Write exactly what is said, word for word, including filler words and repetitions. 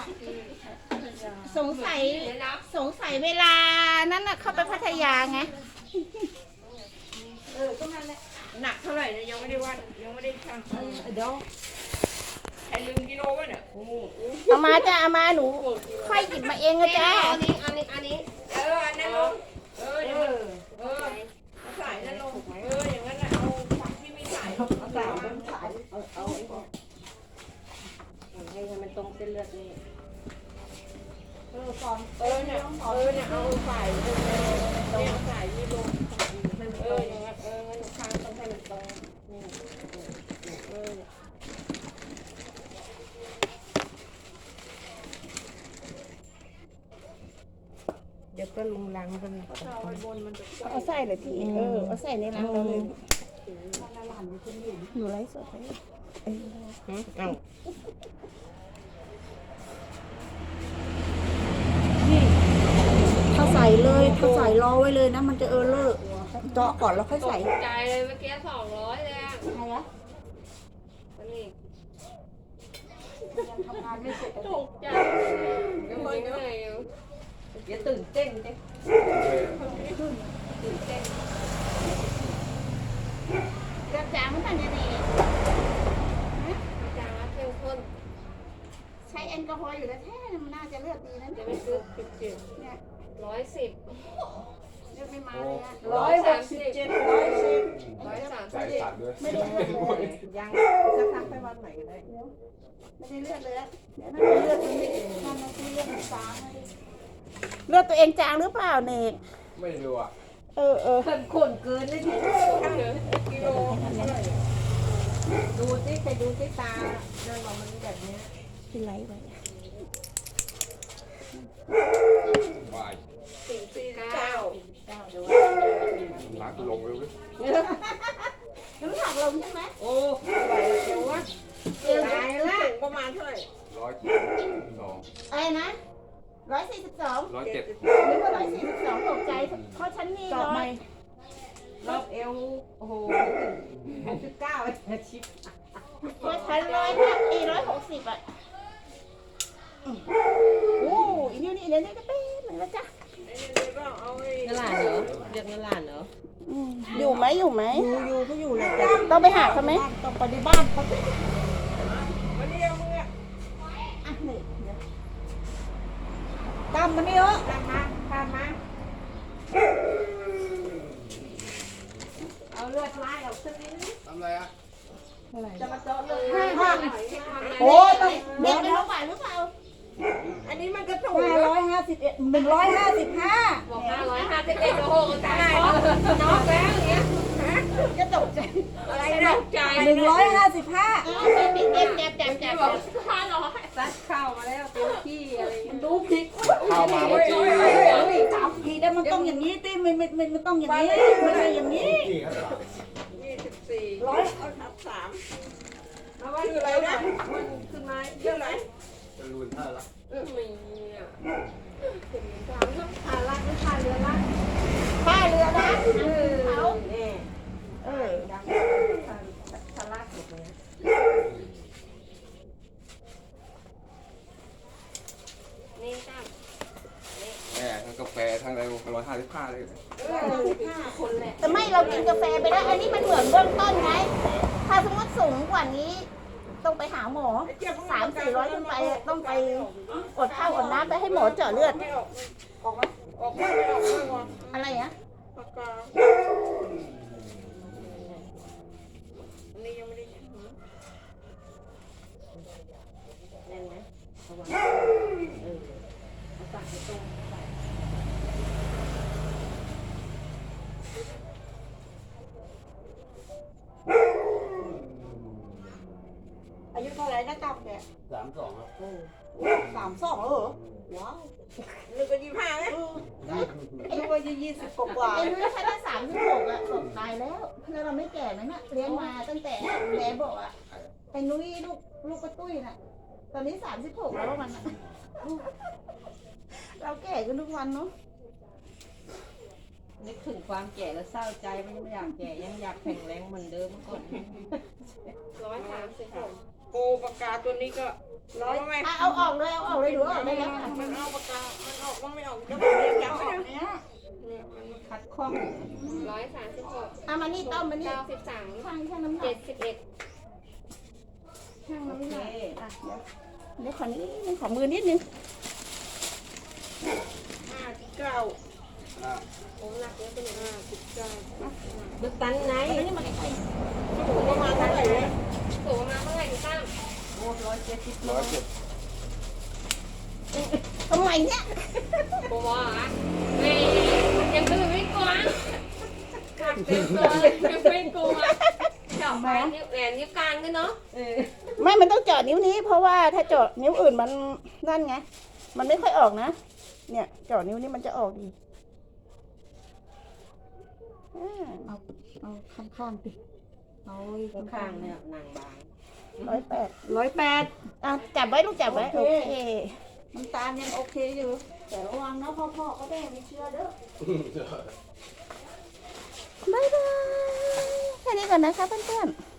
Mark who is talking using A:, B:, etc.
A: สงสัยสงสัยเวลานั้นน่ะเข้าไปพัทยาไง
B: เออก็นั่นแหละ
C: หนักเท่าไหร่นะยังไม่ได้วัดยังไม่ได้ชั่ง
B: เดี๋ยว
C: ใครลืมกิโลวะเนี่ยโอ้โห
A: เอามาจ้ะเอามาหนูค่อยหยิบมาเองนะจ้า
C: อันนี้อันนี้อันนี้เอออันนั้นลงเออเออเออใส่นั่นลงเอออย่างนั้นเอาฝักที่ไม่ใส่
B: เอาใส่เอาใส่เอาเอาให้มันตรงเส้นเลือดนี่เออฟอน
C: เออเนี่ยเออเนี่ยเอาใส่ตรงเนี่ยใส่นี่ลงเอออย่างนั้นเอองั้นข้างต้องให้มันตรงนี่เออ
B: เดี๋ยวก็ลุงลังกัน
A: เอาใส่เลยพี่เออเอาใส่ในรังเราเลยหนูไลฟ์สดไป
C: เอ้า
B: ถ้าใส่เลยถ้าใส่รอไว้เลยนะมันจะเออเลอะเจาะก่อนแล้วค่อยใส่
C: ใจเลยเมื่อกี้สองร้อยเลยอ่ะ
B: ใครอะ
C: มันนี่
B: ทำงานไม่เสร็จ
C: ตกใจยังไม่เหนื่อยอยู่
B: อย่าตื่นเต้นเด้ตื่นเต้น
A: กระจางมันทำยังไง
C: จางเข้มข้น
A: ใช้แอลกอฮอล์อยู่แล้วแท้มันน่าจะเลือดดีนะ
C: จะ
A: เนี่ย
C: ไม่ซื้อสิบเจ็ด
A: เนี่ย
C: ร้อยสิบ
A: เลือดไม่มาเลยอะ
B: ร้อยหกสิบเจ็ดร้อยสิบ
C: ร้อยสามสิบ
A: ไม่ได้เลือดเลย
B: ยังจะทักไปวันไหนก็ได้
A: ไม่ได้เลือดเลยเดี๋ยวน่าจะเลือดมันไม่นั่นนะที่เลือดมันจางเลือดตัวเองจางหรือเปล่าเนก
D: ไม่รู้อ่ะ
A: เออเออ
B: เพิ่มข้นเกินเลยที
C: กิโล
B: ดูสิไปดูสิตาเดินออกมันแบบนี้
A: เป็นไรไว้
D: วาย
C: สี่สี่เก้า
D: หลังลงเร็วเลย
A: น้ำหนักลงใช่ไหม
C: โอ้ไหวเดี๋ยววะตายละประมาณเท่าไหร่
D: ร้อยสอง
A: อะไรนะร้อยสี่สิบสอง
D: ร้อยเจ็ด
A: หรือว่าร้อยสี่สิบสองตกใจเพราะฉันนี่ร้อย
B: รอบเอวโอ้โหหกสิบเก้าชิป
A: เพราะฉันร้อยห้าอีร้อยหกสิบอ่ะโอ้อีนี่นี่เนี่ยนี่ก็เป็นเหมือนกันจ้ะ
B: เงินหลานเหรอเรียกเงินหลานเหรอ
A: อยู่ไหมอยู่ไหม
B: อยู่อยู่ก็อยู่เลย
A: ต้องไปหาเขาไหม
B: ต้องไปในบ้านเขา
C: วันนี้เอามืออ่ะ
A: นี่
B: กำมันนี่เหรอ
C: ตามมาตามมา
B: เอาเลือดไล่ออกสักนิด
D: ทำอะไรอ่ะ
B: จะมาเจาะเลย
A: โอ้ต้องเด็กไม่รู้ไหวหรือเปล่า
C: อันนี้มันกระถูก
B: ห้าร้อยห้าสิบเอ็ดหนึ่งร้อยห้าสิบห้า
C: บอกห้าร้อยห้าสิบเอ็ดโอ้โหตายน็อกแล้วอย่างเงี้ย
A: จะตกใจ
C: อะไรนะใจ
B: หนึ่งร้อยห้าสิบห้า
A: เจ็บเจ็บเจ็บเจ็บเจ็บ
C: ห้าร้อย
B: ซัดเข้ามาแล้วเต็มที่อะไรดูผิด
D: เข้ามาเมื่อกี้
B: จับผิดแล้วมันต้องอย่างนี้ติมันมันมันต้องอย่างนี้ไม่ใช่อย่างนี้
C: ยี่สิบสี่
B: ร้อย
C: นับสามเอาไว้คืออะไรนะมันขึ้นมาเยอะไหม
D: จะรุนเท่าไหร่
C: มีอ่ะถึงสาม
B: ผ่านล่างไม่ผ่านเรือล่าง
A: ผ้าเรือนะเขา
B: เออดังผ่านล่างสุดเลย
C: นี่จ้า
D: แหมทั้งกาแฟทั้งอะไรร้อยห้าสิบห้าเลย
A: คนแหละแต่ไม่เรากินกาแฟไปแล้วอันนี้มันเหมือนเบื้องต้นไงถ้าสมมติสูงกว่านี้ต้องไปหาหมอสามสี่ร้อยขึ้นไปต้องไปอดข้าวอดน้ำไปให้หมอเจาะเลือด
C: ออกมาออกมาไม่ออกมา
A: อะไรอะ
C: ปากกาอันนี้ยังไม่ได้ใช้
B: แน่นไหมระวังเออเอาตักไปตรงอายุเท่าไหร่นะจ๊ะแก
D: สามสองครับ
B: สามสองเหรอว้าว
C: นึกว่ายี่ห้าไหม
B: นึกว่ายี่สิบกว่า
A: ไอ้นุ้ยแค่ได้สามสิบหกอะตกตายแล้วแล้วเราไม่แก่ไหมน่ะเลี้ยงมาตั้งแต่แม่บอกอะไอ้นุ้ยลูกลูกกระตุ้ยน่ะตอนนี้สามสิบหกแล้วมันเราแก่กันทุกวันเนาะ
B: นึกถึงความแก่แล้วเศร้าใจมันยังอยากแก่ยังอยากแข็งแรงเหมือนเดิมก่อน
C: ร้อยสามสิบหกโกปากกาตัวนี้ก็ร้อยไหม
A: อ่ะเอาออกเลยเอาออกเลยดูออกได้แล้วค่ะ
C: มันเอาปากกา มันออกบ้างไม่ออกเดี๋ยวผมจะจับ
B: อ
C: ไม่
B: อก
C: ได้
B: เนี้ย
C: เนี่ยมัน
B: ขัดข้อง
E: ร้อยสามสิบหก
A: เอามานี่ต้อมมานี่
E: เก้าสิบสาม
A: ช่างช่างน้ำหนั
E: เจ็
A: ก
E: ดสิบเอ็ด
A: ช่าง
B: โอ
A: น้ำห
B: เค
A: นักอ่ะเดี๋ยวเดี๋ยวขอนิดนึงขอมือนิดนึง
C: ห้าสิบเก้า
E: ผมหนักเยอะไปหน่อย
C: ห้าสิบเก้า
E: ดูตันไหน
A: อันนี้มันใกล้
C: สูงประมาณเท่าไหร่เนี่ย
E: สูงมาเมื่อไหร่พี่ตั้ม
B: โอ้ร้อยเจ็ดสิบ
D: ร้อยเจ็ด
A: ทำไมเนี่ย
E: โบว่าแม่ยังตื่นไม่กลัวขัดเต็มตัวยังไม่กลัวเจาะไปนิ้วแหวนนิ้วกลางด้วยเนาะ
A: ไม่มันต้องเจาะนิ้วนี้ เพราะว่าถ้าเจาะนิ้วอื่นมันนั่นไง มันไม่ค่อยออกนะ เนี่ยเจาะนิ้วนี้มันจะออกดีอ่า
B: เอาเอาข้างข้างๆสิเอาข้าง
C: ข้า
B: ข้าง ง
C: ๆ
B: ๆ
C: เนี่
B: เนี่ย ย
C: นางบาง
A: ร้อยแปด
B: ร้อยแปด
A: อ่ะจับไว้ลูกจับไว้
B: โอ
A: โอ
B: เค
A: เค
B: น้ำตาลยังโอเคอยู่ แต่ระวังนะพ่อพ่อก็ได้ไม่เชื่อเด้อ
A: บ๊ายบายแค่นี้ก่อนนะคะเพื่อนๆ